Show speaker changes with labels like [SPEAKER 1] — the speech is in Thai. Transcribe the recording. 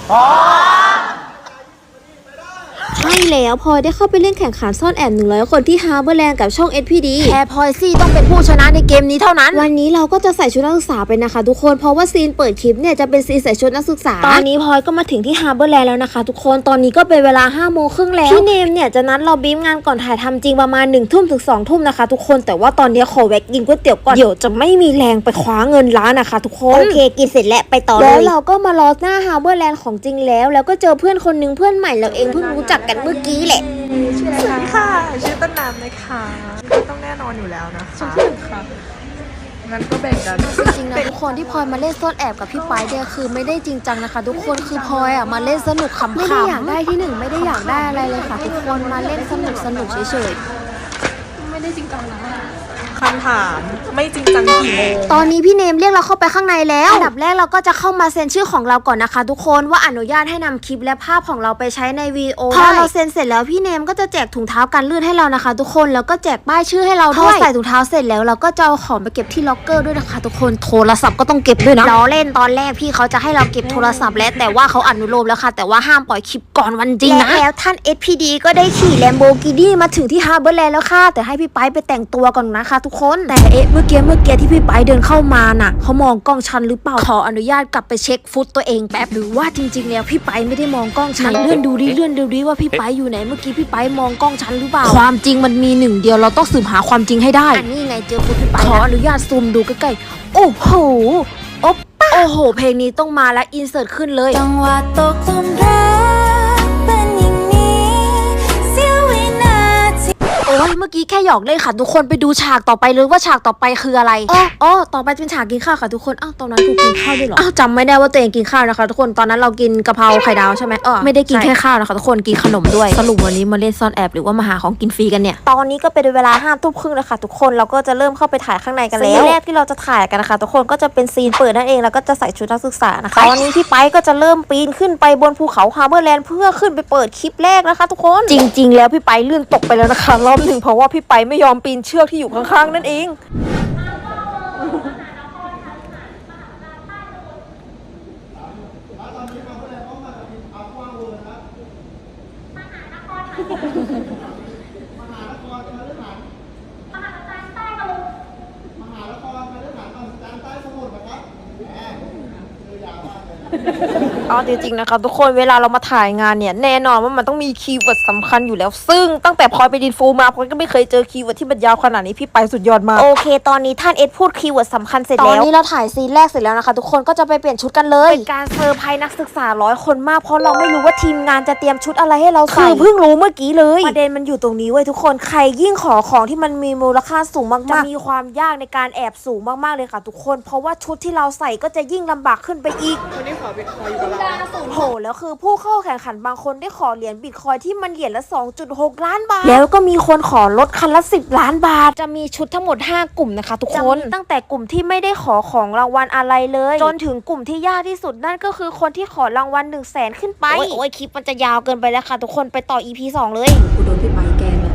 [SPEAKER 1] ใช่แล้วพลอยได้เข้าไปเล่นแข่งขันซ่อนแอบ100 คนที่ฮาร์เบอร์แลนด์กับช่อง SPD
[SPEAKER 2] แค่พลอยซี่ต้องเป็นผู้ชนะในเกมนี้เท่านั้น
[SPEAKER 1] วันนี้เราก็จะใส่ชุดนักศึกษาไปนะคะทุกคนเพราะว่าซีนเปิดคลิปเนี่ยจะเป็นซีนใส่ชุดนักศึกษาตอนนี้พลอยก็มาถึงที่ฮาร์เบอร์แลนด์แล้วนะคะทุกคนตอนนี้ก็เป็นเวลา5 โมงครึ่งแล้วพี่เนมเนี่ยจะนัดเราบีฟงานก่อนถ่ายทำจริงประมาณ1 ทุ่มถึง2 ทุ่มนะคะทุกคนแต่ว่าตอนนี้ขอแวะกินก๋วยเตี๋ยวก่อนเดี๋ยวจะไม่มีแรงไปคว้าเงินร้านนะคะทุกคน
[SPEAKER 2] โอเคกินเสร็จแล้วไปต่อเลย
[SPEAKER 1] แล้วเราก็มารอหน้าฮาร์เบอร์แลนด์ของจริงแล้วก็เจอเพื่อนคนนึงเพื่อนใหม่เราเองเพิ่งรู้จักกันเมื่อกี้แหละ
[SPEAKER 3] ชื่ออะไรคะชื่อต้นน้ำนะคะต้องแน่นอนอยู่แล้วนะคะค่ะงั้นก็แบ่งกัน
[SPEAKER 1] จริงๆนะทุกคนที่พลอยมาเล่นซ่อนแอบกับพี่ไปเนี่ยคือไม่ได้จริงจังนะคะทุกคนคือพลอยมาเล่นสนุกขำๆไม่ได้อยากได้ที่1ไม่ได้อยากได้อะไรเลยค่ะทุกคนมาเล่นสนุกเฉยๆไม่ได้จริงจังนะ
[SPEAKER 3] คำถามไม่จริงจังกี่โมง
[SPEAKER 1] ตอนนี้พี่เนมเรียกเราเข้าไปข้างในแล้วอันดับแรกเราก็จะเข้ามาเซ็นชื่อของเราก่อนนะคะทุกคนว่าอนุญาตให้นำคลิปและภาพของเราไปใช้ในวีดีโอพอเราเซ็นเสร็จแล้วพี่เนมก็จะแจกถุงเท้ากันลื่นให้เรานะคะทุกคนแล้วก็แจกป้ายชื่อให้เราด้วยพอใส่ถุงเท้าเสร็จแล้วเราก็จะเอาของไปเก็บที่ล็อกเกอร์ด้วยนะคะทุกคนโทรศัพท์ก็ต้องเก็บด้วยนะล้อเล่นตอนแรกพี่เขาจะให้เราเก็บโทรศัพท์แล้วแต่ว่าเขาอนุโลมแล้วค่ะแต่ว่าห้ามปล่อยคลิปก่อนวันจริงนะแล้วท่าน SPD ก็ได้ขี่ Lamborghini มาถึงที่ฮาร์เบอร์แลนด์แล้วค่ะแต่ให้พี่ไปแต่งตัวก่อนนะคะทุกคนแต่เมื่อกี้ที่พี่ไปเดินเข้ามาน่ะเขามองกล้องฉันหรือเปล่าขออนุญาตกลับไปเช็คฟุตตัวเองแป๊บหรือว่าจริงๆแล้วพี่ไปไม่ได้มองกล้องฉันเลื่อนดูดิว่าพี่ไปอยู่ไหนเมื่อกี้พี่ไปมองกล้องฉันหรือเปล่าความจริงมันมี1 เดียวเราต้องสืบหาความจริงให้ได้อันนี้ไงเจอฟุตพี่ไปขออนุญาตซูมดูใกล้ๆโอ้โหโอ้โหเพลงนี้ต้องมาแล้วอินเสิร์ตขึ้นเลย
[SPEAKER 4] จังหวะตกหลุมรักเป็นอย่างนี้เสี้ยววินาที
[SPEAKER 1] โอ้ยเมื่อกี้แค่หยอกเล่นค่ะทุกคนไปดูฉากต่อไปเลยว่าฉากต่อไปคืออะไรอ๋อต่อไปเป็นฉากกินข้าวค่ะทุกคนอ้าวตอนนั้นกูกินข้าวด้วยเหรออ้าวจำไม่ได้ว่าตัวเองกินข้าวนะคะทุกคนตอนนั้นเรากินกะเพราไข่ดาวใช่ไหมไม่ได้กินแค่ข้าวนะคะทุกคนกินขนมด้วยสรุปวันนี้มาเล่นซ่อนแอบหรือว่ามาหาของกินฟรีกันเนี่ยตอนนี้ก็เป็นเวลา5 ทุ่มครึ่งแล้วค่ะทุกคนเราก็จะเริ่มเข้าไปถ่ายข้างในกันแล้วซีนแรกที่เราจะถ่ายกันนะคะทุกคนก็จะเป็นซีนเปิดนั่นเองแล้วก็จะใส่ชุดนักศึกษานะคะตอนนี้พี่ไปก็จะเริ่มปีนขึ้นไปบนภูเขาฮาร์เบอร์แลนด์เพื่อขึ้นไปเปิดคลิปแรกนะคะทุกคนจริงๆแล้วพี่ไปลื่นตกไปแล้วนะคะรอบหนึ่งเพราะว่าพี่ไปไม่ยอมปีนเชือกที่อยู่ข้างๆนั่นเองเอาจริงๆนะคะทุกคนเวลาเรามาถ่ายงานเนี่ยแน่นอนว่ามันต้องมีคีย์เวิร์ดสำคัญอยู่แล้วซึ่งตั้งแต่พลอยไปดินฟูมาพลอยก็ไม่เคยเจอคีย์เวิร์ดที่มันยาวขนาดนี้พี่ไปสุดยอดมากโอเคตอนนี้ท่านเอสพูดคีย์เวิร์ดสำคัญเสร็จแล้วตอนนี้เราถ่ายซีนแรกเสร็จแล้วนะคะทุกคนก็จะไปเปลี่ยนชุดกันเลยเป็นการเซอร์ไพรส์นักศึกษา100 คนมากเพราะเราไม่รู้ว่าทีมงานจะเตรียมชุดอะไรให้เราใส่คือเพิ่งรู้เมื่อกี้เลยประเด็นมันอยู่ตรงนี้เว้ยทุกคนใครยิ่งขอของที่มันมีมูลค่าสูงมากๆจะมีความยากในการแอบสูงมากๆเลยค่ะทุกคนเพราะว่าชุดที่เราใส่ก็จะยิ่งลำบากขึ้นไปอีก
[SPEAKER 3] วันนี้ขอบิตคอยน์อยู่กับเรา
[SPEAKER 1] โหแล้วคือผู้เข้าแข่งขันบางคนได้ขอเหรียญบิตคอยที่มันเหรียญละ 2.6 ล้านบาทแล้วก็มีคนขอลดคันละ10 ล้านบาทจะมีชุดทั้งหมด5 กลุ่มนะคะทุกคนตั้งแต่กลุ่มที่ไม่ได้ขอของรางวัลอะไรเลยจนถึงกลุ่มที่ยากที่สุดนั่นก็คือคนที่ขอรางวัล100,000ขึ้นไปโอ้ยคลิปมันจะยาวเกินไปแล้วค่ะทุกคนไปต่อ EP 2เลยกูโดนพี่ไปแกล้ง